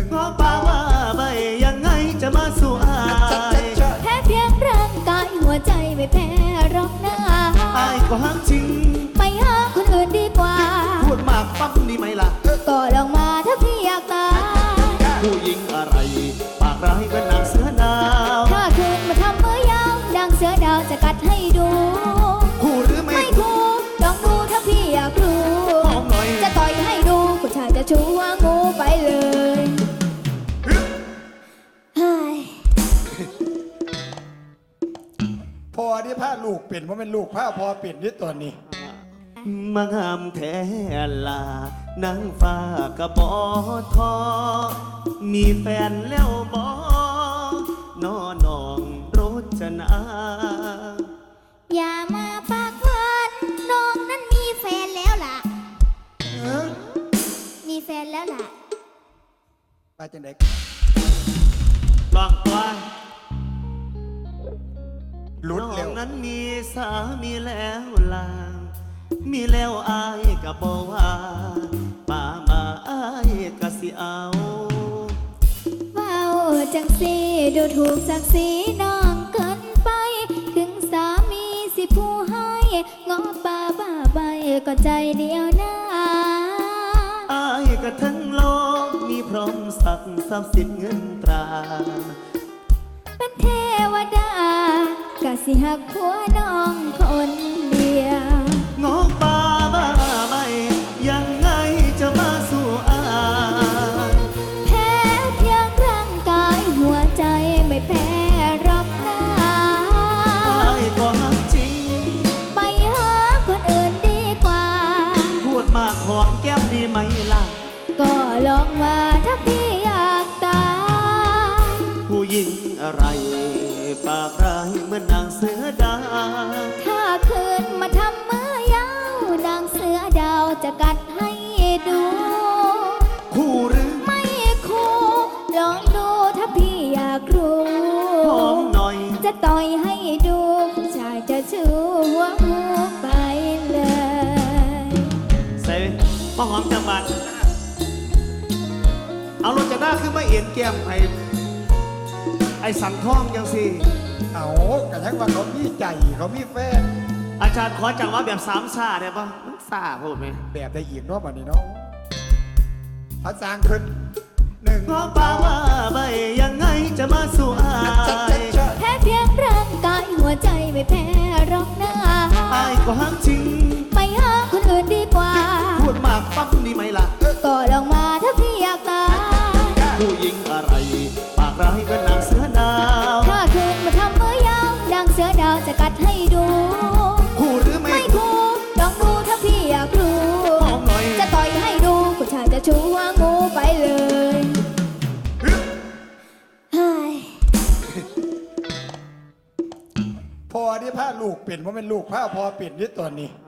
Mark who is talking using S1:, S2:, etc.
S1: เพราะป่าว่าใบยังไงจะมาสู้อาย
S2: แพ้เพียงร่างกายหัวใจไม่แพ้หรอกนะ
S1: อายก็ฮักจริง
S2: ไปหาคนอื่นดีกว่า
S1: พูดมากปั๊บนี่ไหมล่ะ
S2: ก็ลองมาถ้าพี่อยากตาย
S1: ผู้หญิงอะไรปากร้ายเป็นนางเสือดาว
S2: ถ้าคืนมาทำมือยาวดังเสือดาวจะกัดให้ดู
S1: คู่หรือไม่
S2: คู่ลองดูถ้าพี่อยากรู้จะต่อยให้ดูผู้ชายจะชูว่างูไปเลย
S3: พอที่ผ้าลูกเป็นเพราะเป็นลูกผ้าพอเป็นที่ตัวนี้
S1: มางามแท้ลานางฟ้ากระบอทอมีแฟนแล้วบอนอนองรจนา
S2: อย่ามาปากหวานน้องนั้นมีแฟนแล้วล่ะมีแฟนแล้วล่ะ
S3: ไปจังได๋
S1: ลองตัว
S3: ลุดเร็ว
S1: นั้นมีสามีแล้วล่ะมีแล้วอายก็บอกว่าป่ามาอายก็สิเอา
S2: ว้าวจังสิดูถูกศักดิ์ศรีน้องเกินไปถึงสามีสิผู้ให้งอป่าบ้าใบก็ใจเดียวนะ
S1: อายก็ทั้งโลกมีพร้อมสักทรัพย์สินเงินตรา
S2: เป็นเทวดากะสิหักผัวน้องคนเดียว
S1: งอป่าบ้าใบยังไงจะมาสู้อาย
S2: แพ้เพียงร่างกายหัวใจไม่แพ้รับหน้า
S1: อายก็หักจริง
S2: ไปหาคนอื่นดีกว่า
S1: พูดมากหอมแก้มดีไหมล่ะ
S2: ก็ลองมาถ้าพี่อยากตาย
S1: ผู้หญิงอะไรปากร้ายเหมือนนางเสือดาว
S2: ถ้าคืนมาทำมือยาวนางเสือดาวจะกัดให้ดู
S1: คู่หรือ
S2: ไม่คู่ลองดูถ้าพี่อยากรู้
S1: หอมหน่อย
S2: จะต่อยให้ดูผู้ชายจะชูหัวงูไปเลย
S1: เซ่มาหอมจังบันเอารถจะหน้าขึ้นมาเอ็นแก้มไอ้สังท่องยังสิ
S3: เอากระทั่งว่าเขามีใจเขามีแฟน
S1: อาจารย์ขอจังว่าแบบสามซาได้ปะมันซาพูดไหม
S3: แบบได้อีกเนาะวันนี้เนาะพระสร้างขึ้นหนึ่ง
S1: เพราะป่าว่าใบยังไงจะมาสู้อาย
S2: แพ้เพียงร่างกายหัวใจไม่แพ้หรอกนะ
S1: อายก็ฮักจริง
S2: ไปหาคนอื่นดีกว่า
S1: พูดมากปั๊บนี่ไหมล่ะ
S2: ก็ลองมาถ้าพี่อยากตาย
S1: ผู้หญิงอะไรปากร้ายเป็นนางเสือดาว
S2: ถ้าคืนมาทำมือยาวดังเสือดาวจะกัดให้ดู
S1: คู่หรือไม่
S2: คู่ลองดูถ้าพี่อยากรู้จะต่อยให้ดูผู้ชายจะชูว่างูไปเลย
S3: พอที่ผ้าลูกเป็นเพราะเป็นลูกผ้าพอเป็นที่ตัวนี้